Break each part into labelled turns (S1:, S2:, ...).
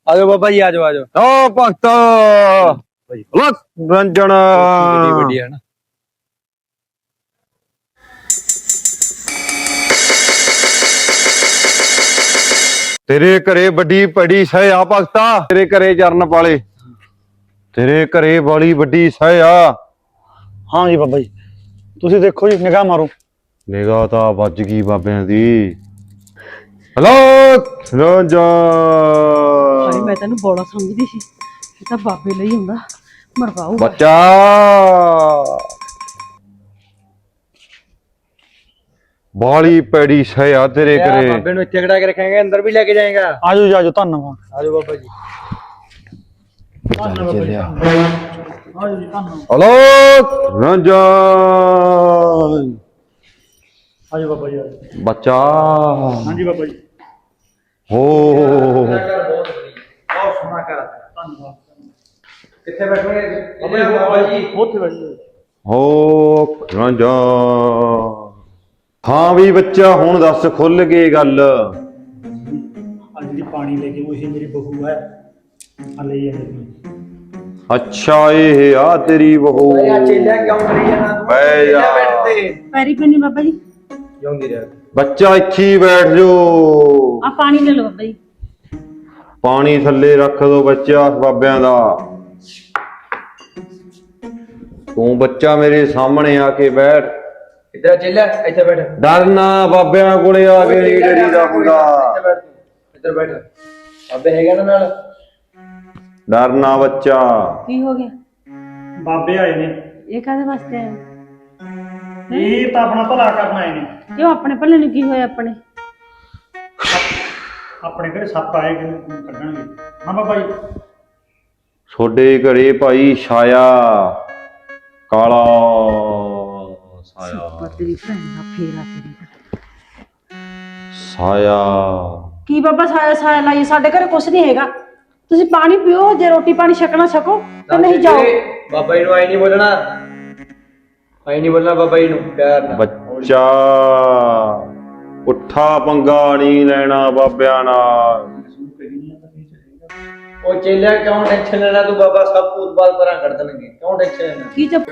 S1: ਆਜੋ ਬਾਬਾ ਜੀ, ਆਜੋ ਆਜੋ।
S2: ਓ ਭਗਤ ਲਕ ਰੰਜਨ
S1: ਵੱਡੀ ਹੈ ਨਾ।
S2: ਤੇਰੇ ਘਰੇ ਵੱਡੀ ਪੜੀ ਸਹਿ ਆ ਭਗਤਾ, ਤੇਰੇ ਘਰੇ ਚਰਨ ਪਾਲੇ, ਤੇਰੇ ਘਰੇ ਵਾਲੀ ਵੱਡੀ ਸਹਿ ਆ।
S3: ਹਾਂ ਜੀ ਬਾਬਾ ਜੀ, ਤੁਸੀਂ ਦੇਖੋ ਜੀ, ਨਿਗਾਹ ਮਾਰੋ।
S2: ਨਿਗਾਹ ਤਾਂ ਵੱਜ ਗਈ ਬਾਬਿਆਂ ਦੀ। ਹਲੋ ਰੰਜਨ
S4: ਭਾਈ ਮੈਂ ਤੈਨੂੰ ਬੋਲਾ ਸਮਝਦੀ ਸੀ, ਇਹ ਤਾਂ ਬਾਬੇ ਲਈ ਹੁੰਦਾ, ਮਰਵਾਊ
S2: ਬੱਚਾ। ਬਾਲੀ ਪੈੜੀ ਸਹਿ ਆ ਤੇਰੇ ਘਰੇ।
S1: ਬਾਬੇ ਨੂੰ ਇੱਥੇ ਖੜਾ ਕੇ ਰੱਖਾਂਗੇ, ਅੰਦਰ ਵੀ ਲੈ ਕੇ ਜਾਏਗਾ।
S3: ਆਜੋ ਜੀ ਆਜੋ, ਧੰਨਵਾਦ।
S1: ਆਜੋ ਬਾਬਾ ਜੀ।
S3: ਆਜੋ ਜੀ, ਧੰਨਵਾਦ।
S2: ਹਲੋ ਰੰਜਨ
S3: ਆਜੋ ਬਾਬਾ ਜੀ, ਆਜੋ।
S2: ਬੱਚਾ।
S3: ਹਾਂਜੀ ਬਾਬਾ ਜੀ।
S2: ਹੋ
S1: ਬਹੁਤ ਸੋਹਣਾ ਕਰ।
S3: ਧੰਨਵਾਦ।
S1: ਕਿੱਥੇ ਬੈਠੋਗੇ ਬਾਬਾ ਜੀ?
S3: ਉੱਥੇ ਬੈਠੋ।
S2: ਹੋ ਰਾਂਝਾ। ਹਾਂ ਵੀ ਬੱਚਾ, ਹੁਣ ਦੱਸ ਖੁੱਲ ਕੇ ਗੱਲ।
S3: ਆ ਜਿਹੜੀ ਪਾਣੀ ਲੈ ਕੇ ਉਹ ਮੇਰੀ ਬਹੂ ਹੈ, ਆ ਲਈ ਜਾਂਦੀ।
S2: ਅੱਛਾ ਇਹ ਆ ਤੇਰੀ ਬਹੂ।
S1: ਚੇਲਿਆ ਕਿਉਂ ਕਰੀ ਜਾਣਾ ਤੂੰ?
S2: ਬਹਿ ਜਾ।
S1: ਬੈਠ ਤੇ
S4: ਪੈਰੀ ਪੈਣੀ ਬਾਬਾ ਜੀ।
S1: ਜਿਉਂਦੀ ਰਹਿ।
S2: ਬੱਚਾ ਇੱਥੇ ਹੀ ਬੈਠ ਜੋ।
S4: ਆ ਪਾਣੀ ਲੈ ਲਓ ਬਾਬਾ ਜੀ।
S2: ਪਾਣੀ ਥੱਲੇ ਰੱਖ ਦੋ ਬੱਚਾ ਬਾਬਿਆਂ ਦਾ। ਤੂੰ ਬੱਚਾ ਮੇਰੇ ਸਾਹਮਣੇ ਆ ਕੇ ਬੈਠ।
S1: ਇੱਧਰ ਚੇਲਿਆ, ਇੱਥੇ ਬੈਠ।
S2: ਡਰਨਾ ਬਾਬਿਆਂ ਕੋਲੇ ਆ ਕੇ ਨਹੀਂ ਡਰੀਦਾ ਹੁੰਦਾ।
S1: ਇੱਧਰ ਬੈਠ। ਬਾਬੇ ਹੈਗਾ ਨਾ ਨਾਲ।
S2: ਡਰਨਾ ਬੱਚਾ।
S4: ਕੀ ਹੋ ਗਿਆ?
S3: ਬਾਬੇ ਆਏ ਨੇ,
S4: ਇਹ ਕਾਹਦੇ ਵਾਸਤੇ ਆਏ?
S3: ਇਹ ਤਾਂ ਆਪਣਾ ਭਲਾ ਕਰਨ ਆਏ ਨੇ।
S4: ਕਿਉਂ? ਆਪਣੇ ਭਲੇ ਨੂੰ ਕੀ ਹੋਇਆ? ਆਪਣੇ
S3: ਆਪਣੇ ਘਰੇ ਸੱਪ ਆਏ ਕਿ ਕੱਢਣਗੇ। ਹਾਂ ਬਾਬਾ ਜੀ।
S2: ਤੁਹਾਡੇ ਘਰੇ ਭਾਈ ਛਾਇਆ, ਕਾਲਾ ਸਾਇਆ,
S4: ਤੇਰੀ ਭੈਣ ਦਾ ਫੇਰਾ ਤੇਰੀ ਦਾ।
S2: ਸਾਇਆ।
S4: ਕੀ ਬਾਬਾ ਸਾਇਆ ਸਾਇਆ ਲਾਈ? ਸਾਡੇ ਘਰੇ ਕੁਛ ਨਹੀਂ ਹੈਗਾ। ਤੁਸੀਂ ਪਾਣੀ ਪੀਓ, ਜੇ ਰੋਟੀ ਪਾਣੀ ਛਕਣਾ ਛਕੋ, ਤੇ ਨਹੀਂ ਜਾਓ।
S1: ਬਾਬਾ ਜੀ ਨੂੰ ਆਈ ਨਹੀਂ ਬੋਲਣਾ, ਆਈ ਨਹੀਂ ਬੋਲਣਾ ਬਾਬਾ ਜੀ ਨੂੰ ਪਿਆਰ ਨਾਲ।
S2: ਬੱਚਾ ਉੱਠਾ ਪੰਗਾ ਨਹੀਂ ਲੈਣਾ ਬਾਬਿਆਂ ਨਾਲ।
S1: ਉਹ ਚੇਲਿਆ ਕਿਉਂ ਟੈਨਸ਼ਨ ਲੈਣਾ ਤੂੰ? ਬਾਬਾ ਸਭ ਭੂਤ ਬਾਤ ਪਰਾਂ ਕਰ ਦੇਣਗੇ, ਕਿਉਂ ਟੈਨਸ਼ਨ ਲੈਣਾ?
S4: ਕੀ ਚੱਪ?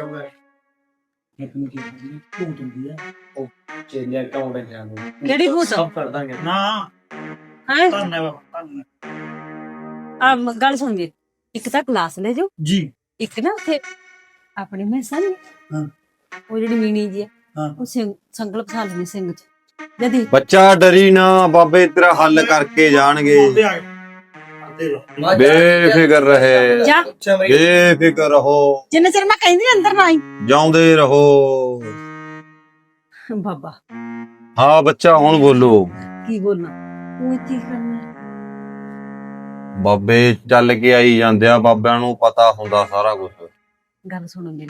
S3: ਭੂਤ ਹੁੰਦੀ ਹੈ।
S1: ਉਹ ਚੇਲਿਆ ਕਿਉਂ ਟੈਨਸ਼ਨ ਲੈਣਾ?
S4: ਕਿਹੜੀ ਭੂਤ?
S1: ਸਭ ਕਰ ਦਾਂਗੇ
S3: ਨਾ
S4: ਹੈ
S3: ਧੰਨਵਾਦ, ਧੰਨਵਾਦ
S4: ਆ ਗੱਲ ਸੁਣ ਜੀ। ਇੱਕ ਤਾਂ ਕਲਾਸ ਲੈ ਜਾਓ,
S3: ਜੀ।
S4: ਇੱਕ ਨਾ ਉੱਥੇ ਆਪਣੇ ਮੈਸਾਂ ਨੇ,
S3: ਹਾਂ
S4: ਉਹ ਜਿਹੜੀ ਮੀਣੀ ਜੀ ਆ,
S3: ਹਾਂ।
S4: ਉਹ ਸੰਗਲ ਫਸਾ ਲੈਣੀ ਸਿੰਘ ਚ। ਜਦੀ
S2: ਬੱਚਾ ਡਰੀ ਨਾ, ਬਾਬੇ ਤੇਰਾ ਹੱਲ ਕਰਕੇ ਜਾਣਗੇ।
S3: ਬਾਬੇ ਆ ਗਏ। ਆਦੇ ਲੋ।
S2: ਬੇਫਿਕਰ ਰਹੇ,
S4: ਜਾ,
S2: ਬੇਫਿਕਰ ਰਹੋ,
S4: ਜਿੰਨੇ ਚਿਰ ਮੈਂ ਕਹਿੰਦੀ ਅੰਦਰ ਨਾ ਆਈ।
S2: ਜਾਉਂਦੇ ਰਹੋ।
S4: ਬਾਬਾ
S2: ਹਾਂ ਬੱਚਾ, ਹੁਣ ਬੋਲੋ।
S4: ਕੀ ਬੋਲਣਾ? ਤੂੰ ਇੱਥੇ ਕੀ ਕਰਨਾ?
S2: ਬਾਬੇ ਚੱਲ ਕੇ ਆਈ ਜਾਂਦੇ ਆ, ਬਾਬਿਆਂ ਨੂੰ ਪਤਾ ਹੁੰਦਾ ਸਾਰਾ ਕੁਝ।
S4: ਗੱਲ ਸੁਣੋ ਮੇਰੀ।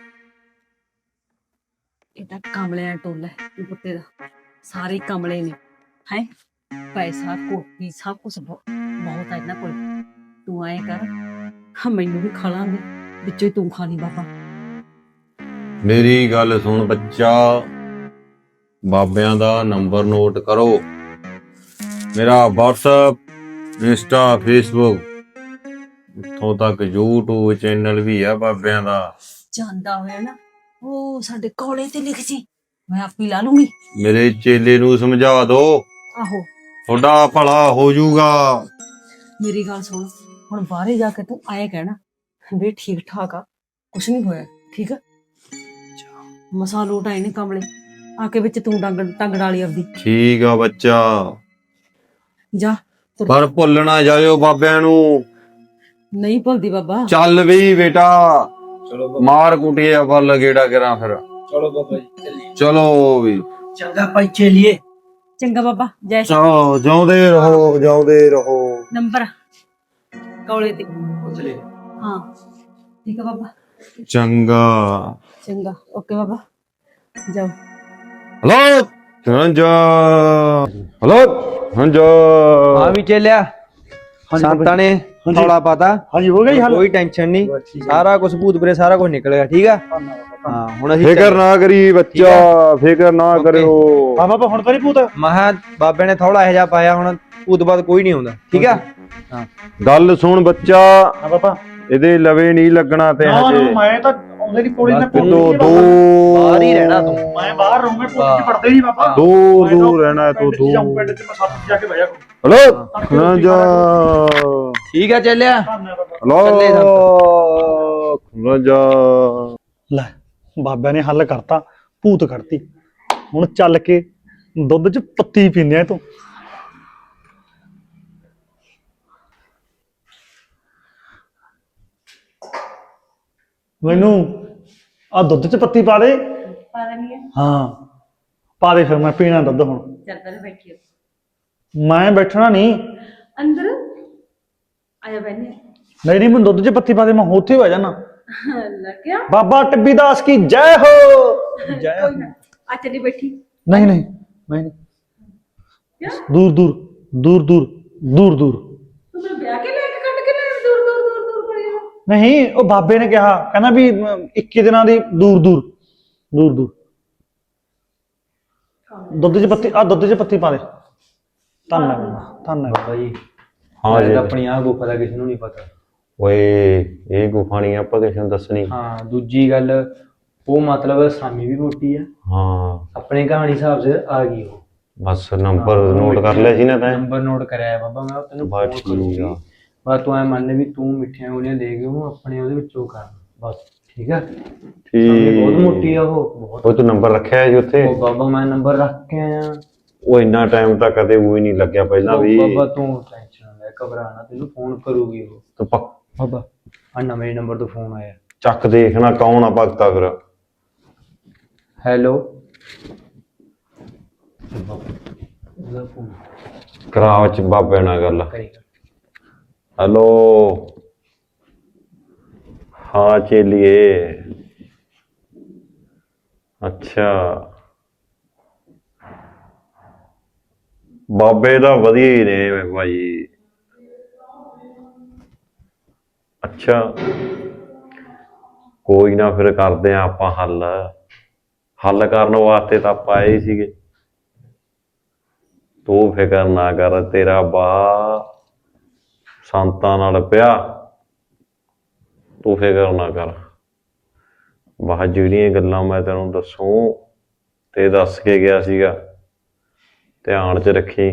S4: ਇਹ ਤਾਂ ਕਮਲਿਆਂ ਟੋਲਾ ਹੈ ਪੁੱਤੇ ਦਾ। ਸਾਰੇ ਕਮਲੇ ਨੇ। ਹੈ ਪੈਸਾ ਕੋਠੀ ਸਭ ਕੁਝ ਬਹੁਤ ਹੈ ਇਹਨਾਂ ਕੋਲ। ਤੂੰ ਆਏ ਕਰ, ਮੈਨੂੰ ਵੀ ਖਾ ਲਾਂਗੇ, ਵਿੱਚੋਂ ਹੀ ਤੂੰ ਖਾ ਲਈ ਬਾਬਾ।
S2: ਮੇਰੀ ਗੱਲ ਸੁਣ ਬੱਚਾ, ਬਾਬਿਆਂ ਦਾ ਨੰਬਰ ਨੋਟ ਕਰੋ। ਮੇਰਾ WhatsApp, ਇੰਸਟਾ, ਫੇਸਬੁੱਕ, ਇੱਥੋਂ ਤੱਕ YouTube ਚੈਨਲ ਵੀ ਆ ਬਾਬਿਆਂ ਦਾ।
S4: ਜਾਂਦਾ ਹੋਇਆ ਨਾ, ਉਹ ਸਾਡੇ ਕੋਲੇ ਤੇ ਲਿਖ ਜੀ, ਮੈਂ ਆਪੀ ਲਾ ਲੂੰਗੀ।
S2: ਮੇਰੇ ਚੇਲੇ ਨੂੰ ਸਮਝਾ ਦੋ,
S4: ਆਹੋ
S2: ਤੁਹਾਡਾ ਭਲਾ ਹੋ ਜਾਊਗਾ।
S4: ਮੇਰੀ ਗੱਲ ਸੁਣ, ਹੁਣ ਬਾਹਰੇ ਜਾ ਕੇ ਤੂੰ ਆਏ ਕਹਿਣਾ ਵੀ ਠੀਕ ਠਾਕ ਆ, ਕੁਛ ਨਹੀਂ ਹੋਇਆ, ਠੀਕ ਆ? ਮਸਾ ਲੋਟ ਆਏ ਨੇ ਕਮਲੇ, ਆ ਕੇ ਵਿੱਚ ਤੂੰ ਟੰਗ ਡਾਲੀ ਆਪਦੀ।
S2: ਠੀਕ ਆ ਬੱਚਾ,
S4: ਜਾ ਤੁਰ।
S2: ਪਰ ਭੁੱਲ ਨਾ ਜਾਇਓ ਬਾਬਿਆਂ ਨੂੰ।
S4: ਨਹੀਂ ਭੁੱਲਦੀ ਬਾਬਾ।
S2: ਚੱਲ ਵੀ ਬੇਟਾ,
S1: ਚਲੋ ਬਾਬਾ,
S2: ਮਾਰ ਕੁੱਟਿਆ ਫਲ ਗੇੜਾ ਕਰਾਂ ਫਿਰ।
S1: ਚਲੋ ਬਾਬਾ ਜੀ ਚੱਲੀਏ।
S2: ਚਲੋ ਵੀ
S1: ਚੰਗਾ ਭਾਈ ਚੇਲੀਏ।
S4: ਚੰਗਾ ਬਾਬਾ, ਜੈ ਸ਼੍ਰੀ।
S2: ਚਲੋ, ਜਾਉਂਦੇ ਰਹੋ, ਜਾਉਂਦੇ ਰਹੋ।
S4: ਨੰਬਰ ਕੋਲੇ ਤੇ।
S1: ਚਲੇ।
S4: ਹਾਂ ਠੀਕ ਆ ਬਾਬਾ।
S2: ਚੰਗਾ।
S4: ਚੰਗਾ, ਓਕੇ ਬਾਬਾ, ਜਾਓ।
S2: Hello Ranja, hello Ranja.
S1: ਹਾਂ ਵੀ ਚੇਲਿਆ, ਸੰਤਾਂ ਨੇ ਥੋੜਾ ਪਤਾ।
S3: ਹਾਂਜੀ ਹੋ ਗਿਆ ਜੀ ਹੱਲ।
S1: ਕੋਈ ਟੈਨਸ਼ਨ ਨਹੀਂ, ਸਾਰਾ ਕੁਝ ਭੂਤ ਪਰੇ ਸਾਰਾ ਕੁਝ ਨਿਕਲ ਗਿਆ। ਠੀਕ ਆ?
S3: ਧੰਨਵਾਦ।
S1: ਹਾਂ ਹੁਣ ਅਸੀਂ
S2: ਫਿਕਰ ਨਾ ਕਰੀ ਬੱਚਾ, ਫਿਕਰ ਨਾ
S1: ਓਕੇ।
S2: ਕਰਿਓ।
S3: ਹਾਂ ਬਾਬਾ ਹੁਣ ਤਾਂ ਨਹੀਂ ਭੂਤ?
S1: ਮਹਾ ਬਾਬੇ ਨੇ ਥੋੜਾ ਇਹੋ ਜਿਹਾ ਪਾਇਆ, ਹੁਣ ਉਹ ਤੋਂ ਬਾਅਦ ਕੋਈ ਨਹੀਂ ਆਉਂਦਾ, ਠੀਕ ਆ? ਹਾਂ
S2: ਗੱਲ ਸੁਣ ਬੱਚਾ,
S3: ਹਾਂ ਬਾਬਾ।
S2: ਇਹਦੇ ਲਵੇ ਨਹੀਂ ਲੱਗਣਾ ਤੇ
S3: ਨਾ
S2: ਹਜੇ।
S3: ਨਾ ਮੈਂ ਤਾਂ ਉਹਦੇ ਦੀ ਕੋਲੇ ਮੈਂ ਭੂਤ
S2: ਦੋ
S3: ਨਹੀਂ
S2: ਦੋ
S1: ਬਾਹਰ ਹੀ ਰਹਿਣਾ ਤੂੰ।
S3: ਮੈਂ ਬਾਹਰ ਰਹੂੰਗਾ, ਭੂਤ ਚ ਪੜਦੇ ਨਹੀਂ ਬਾਬਾ।
S2: ਦੂਰ ਦੂਰ ਰਹਿਣਾ ਤੂੰ,
S3: ਪਿੰਡ 'ਚ ਜਾਊਂ,
S2: ਦੂਰ।
S3: ਪਿੰਡ 'ਚ ਮੈਂ ਸੱਤ 'ਚ ਜਾ ਕੇ ਬਹਿ ਜਾ ਕਰੂੰ।
S2: ਹਲੋ ਨਾ ਜਾ,
S1: ਠੀਕ ਆ ਚੱਲਿਆ।
S3: ਧੰਨਵਾਦ ਬਾਬਾ।
S2: ਹਲੋ ਨਾ ਜਾ।
S3: ਲੈ ਬਾਬਿਆਂ ਨੇ ਹੱਲ ਕਰਤਾ, ਭੂਤ ਕੱਢਤੀ। ਹੁਣ ਚੱਲ ਕੇ ਦੁੱਧ 'ਚ ਪੱਤੀ ਪੀਂਦੇ ਆ ਤੂੰ। ਮੈਨੂੰ ਆ ਦੁੱਧ 'ਚ ਪੱਤੀ ਪਾ ਦੇ।
S4: ਪਾ ਦੇਣੀ ਹੈ।
S3: ਹਾਂ ਪਾ ਦੇ, ਫਿਰ ਮੈਂ ਪੀਣਾ ਦੁੱਧ ਹੁਣ।
S4: ਚੱਲ ਪਹਿਲਾਂ ਬੈਠੀਓ
S3: ਮੈਂ ਬੈਠਣਾ ਨਹੀਂ।
S4: ਅੰਦਰ ਆਇਆ ਬੈਠੇ।
S3: ਨਹੀਂ ਨਹੀਂ, ਮੈਨੂੰ ਦੁੱਧ 'ਚ ਪੱਤੀ ਪਾ ਦੇ, ਮੈਂ ਉੱਥੇ ਹੀ ਬਹਿ ਜਾਣਾ।
S4: ਲੱਗਿਆ
S3: ਬਾਬਾ ਟੱਬੀ ਦਾਸ ਕੀ ਜੈ ਹੋ। ਜੈ ਹੋ।
S4: ਕੋਈ ਨਾ ਆ ਚੱਲੀ ਬੈਠੀ।
S3: ਨਹੀਂ ਨਹੀਂ ਮੈਂ ਨਹੀਂ।
S4: ਕਿਉਂ?
S3: ਦੂਰ ਦੂਰ ਦੂਰ ਦੂਰ ਦੂਰ ਦੂਰ।
S4: ਤੂੰ ਮੈਨੂੰ ਵਿਆਹ ਕੇ ਲੈ ਕੇ ਕੱਢ ਕੇ ਲੈ ਦੂਰ ਦੂਰ ਦੂਰ ਦੂਰ ਕਰੀ ਜਾ।
S3: ਨਹੀਂ, ਉਹ ਬਾਬੇ ਨੇ ਕਿਹਾ, ਕਹਿੰਦਾ ਵੀ 21 ਦਿਨਾਂ ਦੀ ਦੂਰ ਦੂਰ ਦੂਰ ਦੂਰ। ਦੁੱਧ 'ਚ ਪੱਤੀ, ਆ ਦੁੱਧ 'ਚ ਪੱਤੀ ਪਾ ਦੇ। ਧੰਨਵਾਦ ਧੰਨਵਾਦ।
S1: ਬਾਬਾ ਜੀ
S2: ਹਾਂ ਜੀ।
S1: ਆਪਣੀ ਆਹ ਗੁਫਾ ਦਾ ਕਿਸੇ ਨੂੰ ਨਹੀਂ ਪਤਾ।
S2: ਓਏ ਇਹ ਗੁਫਾ ਨਹੀਂ ਆਪਾਂ ਕਿਸੇ ਨੂੰ ਦੱਸਣੀ।
S1: ਹਾਂ ਦੂਜੀ ਗੱਲ, ਉਹ ਮਤਲਬ ਸਾਮੀ ਵੀ ਮੋਟੀ ਆ,
S2: ਹਾਂ
S1: ਆਪਣੇ ਕਹਾਣੀ ਹਿਸਾਬ ਸੇ ਆ ਗਈ ਉਹ।
S2: ਬਸ ਨੰਬਰ ਨੋਟ ਕਰ ਲਿਆ ਸੀ ਨਾ ਤੈਂ?
S1: ਨੰਬਰ ਨੋਟ ਕਰਿਆ ਬਾਬਾ, ਮੈਂ ਤੈਨੂੰ
S2: ਬਸ
S1: ਫੋਨ
S2: ਠੀਕ
S1: ਕਰੂੰਗੀ।
S2: ਆ।
S1: ਬਸ ਤੂੰ ਐ ਮੰਨ ਵੀ ਤੂੰ ਮਿੱਠੀਆਂ ਗੋਲੀਆਂ ਦੇ ਕੇ ਉਹਨੂੰ ਆਪਣੇ ਉਹਦੇ ਵਿੱਚੋਂ ਕਰ ਬਸ, ਠੀਕ ਆ? ਸਾਮੀ ਬਹੁਤ ਮੋਟੀ ਆ ਉਹ, ਬਹੁਤ।
S2: ਉਹ ਤੂੰ ਨੰਬਰ ਰੱਖਿਆ ਸੀ ਉੱਥੇ?
S1: ਉਹ ਬਾਬਾ ਮੈਂ ਨੰਬਰ ਰੱਖ ਕੇ ਆਇਆ।
S2: ਉਹ ਇੰਨਾ ਟਾਈਮ ਤਾਂ ਕਦੇ ਉਹ ਹੀ ਨਹੀਂ ਲੱਗਿਆ ਪਹਿਲਾਂ ਵੀ।
S1: ਬਾਬਾ ਤੂੰ ਟੈਨਸ਼ਨ ਨਾ ਲੈ, ਘਬਰਾ ਨਾ, ਤੈਨੂੰ ਫੋਨ ਕਰੂਗੀ ਉਹ।
S2: ਤੂੰ ਪੱਕ
S1: ਬਾਬਾ ਆ ਨਵੇਂ ਨੰਬਰ ਤੋਂ ਫੋਨ ਆਇਆ।
S2: ਚੱਕ ਦੇਖਣਾ ਕੌਣ ਆ ਭਗਤਾ ਫਿਰ।
S1: ਹੈਲੋ
S2: ਕਰਾਓ ਚ ਬਾਬੇ ਨਾਲ ਗੱਲ।
S1: ਕਰੀ
S2: ਹੈਲੋ ਹਾਂ ਚੇਲੀਏ। ਅੱਛਾ ਬਾਬੇ ਦਾ ਵਧੀਆ ਹੀ ਨੇ ਭਾਈ। ਅੱਛਾ ਕੋਈ ਨਾ, ਫਿਰ ਕਰਦੇ ਆ ਆਪਾਂ ਹੱਲ। ਹੱਲ ਕਰਨ ਵਾਸਤੇ ਤਾਂ ਆਪਾਂ ਆਏ ਹੀ ਸੀਗੇ। ਤੂੰ ਫਿਕਰ ਨਾ ਕਰ, ਤੇਰਾ ਬਾ ਸੰਤਾਂ ਨਾਲ ਪਿਆ, ਤੂੰ ਫਿਕਰ ਨਾ ਕਰ। ਬਾਹ ਜਿਹੜੀਆਂ ਗੱਲਾਂ ਮੈਂ ਤੈਨੂੰ ਦੱਸੂ ਤੇ ਦੱਸ ਕੇ ਗਿਆ ਸੀਗਾ, ਧਿਆਨ ਚ ਰੱਖੀ,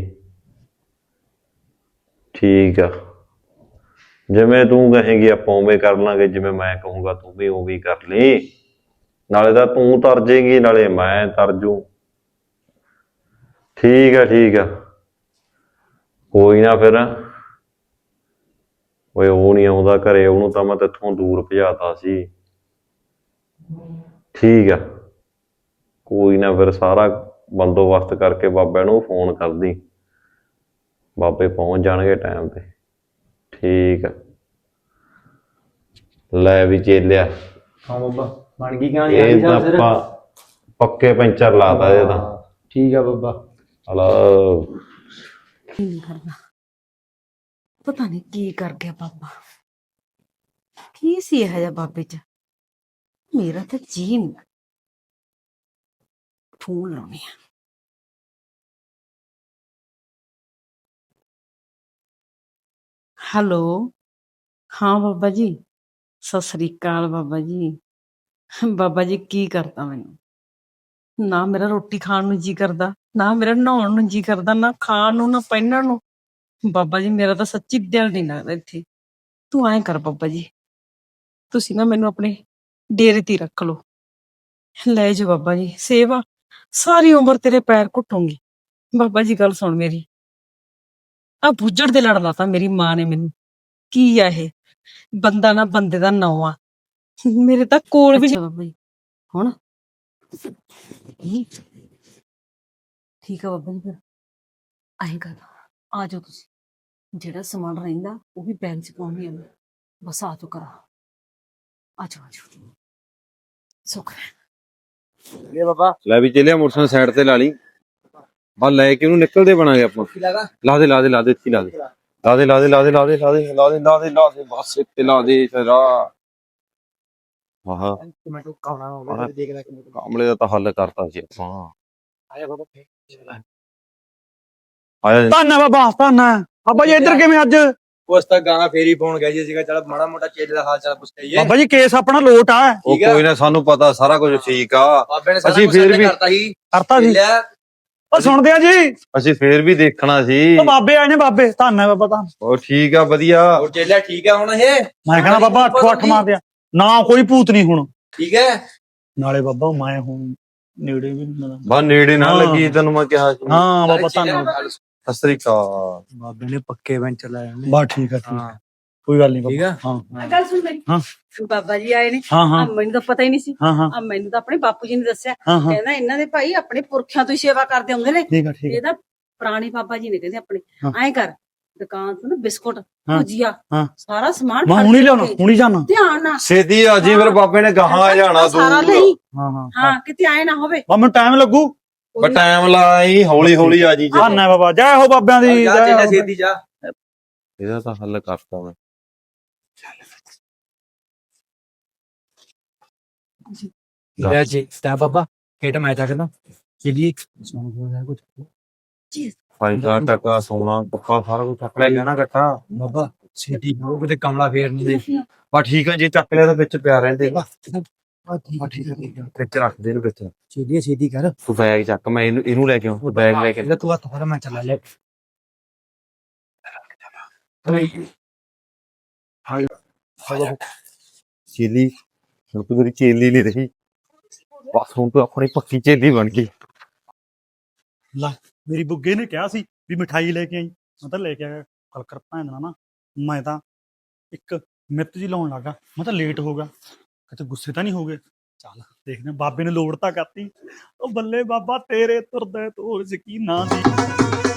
S2: ਠੀਕ ਆ? ਜਿਵੇਂ ਤੂੰ ਕਹੇਂਗੀ ਆਪਾਂ ਉਵੇਂ ਕਰ ਲਾਂਗੇ, ਜਿਵੇਂ ਮੈਂ ਕਹੂੰਗਾ ਤੂੰ ਵੀ ਉਵੇਂ ਕਰ ਲਈ। ਨਾਲੇ ਤਾਂ ਤੂੰ ਤਰ ਜੇਗੀ, ਨਾਲੇ ਮੈਂ ਤਰ ਜੂ। ਠੀਕ ਆ ਠੀਕ ਆ, ਕੋਈ ਨਾ ਫਿਰ। ਓਏ ਉਹ ਨਹੀਂ ਆਉਂਦਾ ਘਰੇ, ਉਹਨੂੰ ਤਾਂ ਮੈਂ ਤੇਥੋਂ ਦੂਰ ਭਜਾਤਾ ਸੀ। ਠੀਕ ਆ ਕੋਈ ਨਾ, ਫਿਰ ਸਾਰਾ ਬੰਦੋਬਸਤ ਕਰਕੇ ਬਾਬੇ ਨੂੰ ਫੋਨ ਕਰਦੀ, ਬਾਬੇ ਪਹੁੰਚ ਜਾਣਗੇ ਟਾਈਮ ਤੇ। ਠੀਕ ਆ ਲੈ ਵੀ ਚੇਲਿਆ,
S1: ਹਾਂ ਬਾਬਾ ਬਣ ਗਈ ਕਹਾਣੀ?
S2: ਇਹ ਤਾਂ ਆਪਾਂ ਪੱਕੇ ਪੈਂਚਰ ਲਾਤਾ ਇਹ ਤਾਂ।
S1: ਠੀਕ ਆ ਬਾਬਾ।
S2: ਹਲੋ
S4: ਨਹੀਂ ਕਰਨਾ, ਪਤਾ ਨਹੀਂ ਕੀ ਕਰ ਗਿਆ ਬਾਬਾ। ਕੀ ਸੀ ਇਹ ਜਿਹਾ ਬਾਬੇ ਚ? ਮੇਰਾ ਤਾਂ ਜੀ ਨਹੀਂ। ਫੋਨ ਲਾਉਣੀ ਆ। ਹੈਲੋ ਹਾਂ ਬਾਬਾ ਜੀ, ਸਤਿ ਸ੍ਰੀ ਅਕਾਲ ਬਾਬਾ ਜੀ। ਬਾਬਾ ਜੀ ਕੀ ਕਰਤਾ ਮੈਨੂੰ? ਨਾ ਮੇਰਾ ਰੋਟੀ ਖਾਣ ਨੂੰ ਜੀ ਕਰਦਾ, ਨਾ ਮੇਰਾ ਨਹਾਉਣ ਨੂੰ ਜੀ ਕਰਦਾ, ਨਾ ਖਾਣ ਨੂੰ ਨਾ ਪਹਿਨਣ ਨੂੰ। ਬਾਬਾ ਜੀ ਮੇਰਾ ਤਾਂ ਸੱਚੀ ਦਿਲ ਨਹੀਂ ਲੱਗਦਾ ਇੱਥੇ। ਤੂੰ ਐਂ ਕਰ ਬਾਬਾ ਜੀ, ਤੁਸੀਂ ਨਾ ਮੈਨੂੰ ਆਪਣੇ ਡੇਰੇ ਤੇ ਰੱਖ ਲਓ। ਲੈ ਜਾਓ ਬਾਬਾ ਜੀ, ਸੇਵਾ ਸਾਰੀ ਉਮਰ ਤੇਰੇ ਪੈਰ ਘੁੱਟੂੰਗੀ। ਬਾਬਾ ਜੀ ਗੱਲ ਸੁਣ ਮੇਰੀ, ਆ ਬੁੱਜੜ ਦੇ ਲੜ ਲਾਤਾ ਮੇਰੀ ਮਾਂ ਨੇ ਮੈਨੂੰ। ਕੀ ਆ ਇਹ? ਬੰਦਾ ਨਾ ਬੰਦੇ ਦਾ ਨਾਂ ਆ, ਮੇਰੇ ਤਾਂ ਕੋਲ ਵੀ ਬਾਬਾ ਜੀ। ਹੁਣ ਠੀਕ ਆ ਬਾਬਾ ਜੀ, ਫਿਰ ਆਏ ਕਰ ਆ ਜਾਓ ਤੁਸੀਂ। ਜਿਹੜਾ ਸਮਾਨ ਰਹਿੰਦਾ ਉਹ ਵੀ ਬੈਗ ਚ ਪਾਉਣੀ ਆ ਮੈਂ। ਬਸ ਆ ਜਾਓ ਕਰਾ, ਆ ਜਾਓ ਸੁੱਖ।
S1: ਇਹ ਬਾਬਾ
S2: ਲੈ ਵੀ ਚੇਲਿਆ, ਮੋਟਰਸਾਈਕਲ ਸਾਈਡ ਤੇ ਲਾ ਲਈ, ਬਸ ਲੈ ਕੇ ਉਹਨੂੰ ਨਿਕਲਦੇ ਬਣਾਂਗੇ ਆਪਾਂ। ਲਾ ਦੇ ਲਾ ਦੇ ਲਾ ਦੇ, ਇੱਥੇ ਲਾ ਦੇ, ਲਾ ਦੇ ਲਾ ਦੇ ਲਾ ਦੇ ਲਾ ਦੇ ਲਾ ਦੇ ਲਾ ਦੇ ਲਾ ਦੇ ਲਾ ਦੇ, ਬਸ ਇੱਥੇ ਲਾ ਦੇ। ਆਹ
S1: ਮੈਂ ਤੂੰ ਕਾਉਣਾ ਹੋਵੇ ਦੇਖਦਾ ਕਿ
S2: ਕਾਮਲੇ ਦਾ ਤਾਂ ਹੱਲ ਕਰਤਾ ਸੀ ਆਪਾਂ
S1: ਆਇਆ ਬਾਬਾ
S2: ਆਇਆ
S3: ਧੰਨ ਹੈ ਬਾਬਾ ਧੰਨ ਹੈ ਬਾਬਾ ਜੀ ਇੱਧਰ ਕਿਵੇਂ ਅੱਜ
S1: ਉਸ ਤੱਕ ਗਾਣਾ ਫੇਰੀ ਪਾਉਣ ਗਿਆ ਜੀ ਸੀਗਾ ਚਲ ਮਾੜਾ ਮੋਟਾ ਚੇਲੇ ਦਾ ਹਾਲ ਚਾਲ ਪੁੱਛ ਲਈਏ
S3: ਬਾਬਾ ਜੀ ਕੇਸ ਆਪਣਾ ਲੋਟ ਆ
S2: ਉਹ
S1: ਠੀਕ ਆ।
S2: ਕੋਈ ਨਾ ਸਾਨੂੰ ਪਤਾ ਸਾਰਾ ਕੁਝ ਠੀਕ ਆ
S1: ਬਾਬੇ ਨੇ ਸਾਰਾ
S2: ਅਸੀਂ
S1: ਕੁਝ
S2: ਫੇਰ ਵੀ
S1: ਕਰਤਾ ਸੀ
S3: ਕਰਤਾ ਸੀ
S1: ਲਿਆ
S3: ਉਹ ਸੁਣਦੇ ਆ ਜੀ
S2: ਅਸੀਂ ਫੇਰ ਵੀ ਦੇਖਣਾ ਸੀ
S3: ਉਹ ਬਾਬੇ ਆਏ ਨੇ ਬਾਬੇ ਧੰਨ ਹੈ ਬਾਬਾ ਧੰਨ
S2: ਉਹ ਠੀਕ ਆ ਵਧੀਆ
S1: ਹੋਰ ਚੇਲਿਆ ਠੀਕ ਆ ਹੁਣ ਇਹ
S3: ਮੈਂ ਕਹਿੰਦਾ ਬਾਬਾ 8 ਮਾਰਦੇ ਆ ਨਾ ਕੋਈ ਭੂਤ ਨਹੀਂ ਹੁਣ
S1: ਠੀਕ ਹੈ
S3: ਨਾਲੇ ਬਾਬਾ ਮੈਂ ਹੁਣ ਨੇੜੇ ਵੀ ਨਹੀਂ ਮਿਲਾਂ
S2: ਬਾ ਨੇੜੇ ਨਾ
S3: ਹਾਂ।
S2: ਲੱਗੀ ਤੈਨੂੰ ਮੈਂ ਕਿਹਾ ਸੀ
S3: ਹਾਂ ਬਾਬਾ
S1: ਚੇਲਿਆਂ
S3: ਧੰਨ
S1: ਨੂੰ ਗੱਲ
S2: ਸਤਿ ਸ੍ਰੀ ਅਕਾਲ
S1: ਬਾਬੇ ਨੇ ਪੱਕੇ ਵੈਂਚਰ ਲਾਇਆ
S3: ਬਾ ਠੀਕ ਆ ਠੀਕ ਆ
S1: ਹਾਂ
S3: ਕੋਈ ਗੱਲ ਨਹੀਂ
S1: ਠੀਕ
S3: ਬਾਬਾ
S1: ਆ
S3: ਹਾਂ
S4: ਗੱਲ ਸੁਣ ਮੇਰੀ
S3: ਹਾਂ।
S4: ਬਾਬਾ ਜੀ ਆਏ ਨੇ
S3: ਹਾਂ ਹਾਂ
S4: ਮੈਨੂੰ ਤਾਂ ਪਤਾ ਹੀ ਨਹੀਂ ਸੀ
S3: ਹਾਂ ਹਾਂ
S4: ਮੈਨੂੰ ਤਾਂ ਆਪਣੇ ਬਾਪੂ ਜੀ ਨੇ ਦੱਸਿਆ
S3: ਹਾਂ ਹਾਂ
S4: ਕਹਿੰਦਾ ਇਹਨਾਂ ਦੇ ਭਾਈ ਆਪਣੇ ਪੁਰਖਿਆਂ ਤੋਂ ਹੀ ਸੇਵਾ ਕਰਦੇ ਹੁੰਦੇ ਨੇ
S3: ਠੀਕ ਆ ਠੀਕ ਆ
S4: ਇਹਦਾ ਪੁਰਾਣੇ ਬਾਬਾ ਜੀ ਨੇ ਕਹਿੰਦੇ ਆਪਣੇ
S3: ਹਾਂ।
S4: ਐਂ ਕਰ ਦੁਕਾਨ ਤੋਂ ਨਾ ਬਿਸਕੁਟ
S3: ਹਾਂ।
S4: ਭੁਜੀਆ
S3: ਹਾਂ।
S4: ਸਾਰਾ ਸਮਾਨ
S3: ਮੈਂ
S4: ਫੜ
S3: ਹੁਣੀ
S4: ਕੇ
S3: ਲਿਆਉਣਾ
S4: ਭੇਜ।
S3: ਹੁਣੀ ਜਾਣਾ
S4: ਧਿਆਨ ਨਾਲ
S2: ਛੇਤੀ ਆ ਜੀ ਫਿਰ ਬਾਬੇ ਨੇ ਗਾਹਾਂ ਜਾਣਾ
S4: ਸਾਰਾ
S2: ਦੂਰ
S4: ਲਈ
S3: ਹਾਂ ਹਾਂ
S4: ਹਾਂ ਕਿਤੇ ਆਏ ਨਾ ਹੋਵੇ
S3: ਮੈਨੂੰ ਟਾਈਮ ਲੱਗੂ
S2: ਪਰ ਟਾਈਮ ਲਾਈ ਹੌਲੀ ਹੌਲੀ ਆ ਜੀ
S3: ਧੰਨ ਹੈ ਬਾਬਾ ਜੈ ਹੋ ਬਾਬਿਆਂ ਦੀ
S1: ਜਾ
S3: ਜੈ
S1: ਚੇਲਿਆ
S3: ਹੋ
S1: ਛੇਤੀ ਜਾ
S2: ਇਹਦਾ ਤਾਂ ਹੱਲ ਕਰਤਾ ਮੈਂ
S1: ਲੈ ਜੀ ਸਟਾ ਬਾਬਾ ਕਿਹੜਾ ਮੈਂ ਚੱਕਦਾ ਚਲੀ ਸੁਣ ਬੋਲਦਾ ਕੁਝ
S2: ਫਾਇਦਾ ਟਕਾ ਸੋਨਾ ਪੱਕਾ ਸਾਰਾ ਕੁਝ ਚੱਕ ਲੈ ਗਿਆ ਨਾ ਇਕੱਠਾ
S1: ਬਾਬਾ ਛੇਤੀ ਹੋ ਕਿਤੇ ਕਮਲਾ ਫੇਰ ਨਹੀਂ ਦੇ
S2: ਬਾ ਠੀਕ ਆ ਜੀ ਚੱਕ ਲਿਆ ਤਾਂ ਵਿੱਚ ਪਿਆ ਰਹਿੰਦੇ ਵਾ
S1: ਠੀਕ ਹੈ
S2: ਵਿੱਚ ਰੱਖ ਦੇ ਇਹਨੂੰ ਵਿੱਚ
S1: ਛੇਤੀ ਛੇਤੀ ਕਰ
S2: ਤੂੰ ਬੈਗ ਚੱਕ ਮੈਂ ਇਹਨੂੰ ਲੈ ਕੇ ਆਉਂ ਬੈਗ ਲੈ ਕੇ
S1: ਇਹਦਾ ਤੂੰ ਹੱਥ ਫੜ ਮੈਂ ਚੱਲਾ ਲੈ
S2: ਚੇਲੀ ਹੁਣ ਤੂੰ ਮੇਰੀ ਚੇਲੀ ਨਹੀਂ ਰਹੀ ਬਸ ਹੁਣ ਤੂੰ ਆਪਣੀ ਪੱਕੀ ਚੇਲੀ ਬਣ ਗਈ
S3: ਮੇਰੀ ਬੁੱਗੇ ਨੇ ਕਿਹਾ ਸੀ ਵੀ ਮਿਠਾਈ ਲੈ ਕੇ ਆਈ ਮੈਂ ਤਾਂ ਲੈ ਕੇ ਆਇਆ ਕੱਲ ਕਰ ਭੈਣ ਦਾ ਨਾ ਮੈਂ ਤਾਂ ਇੱਕ ਮਿੱਤ ਜੀ ਲਾਉਣ ਲੱਗਾ ਮੈਂ ਤਾਂ ਲੇਟ ਹੋ ਗਿਆ ਕਿਤੇ ਗੁੱਸੇ ਤਾਂ ਨਹੀਂ ਹੋ ਗਏ ਚੱਲ ਦੇਖਦੇ ਹਾਂ, ਬਾਬੇ ਨੇ ਲੋੜ ਤਾਂ ਕਰਤੀ ਉਹ ਬੱਲੇ ਬਾਬਾ ਤੇਰੇ ਤੁਰਦਾ ਤੋਰ ਯਕੀਨਾਂ ਦੀ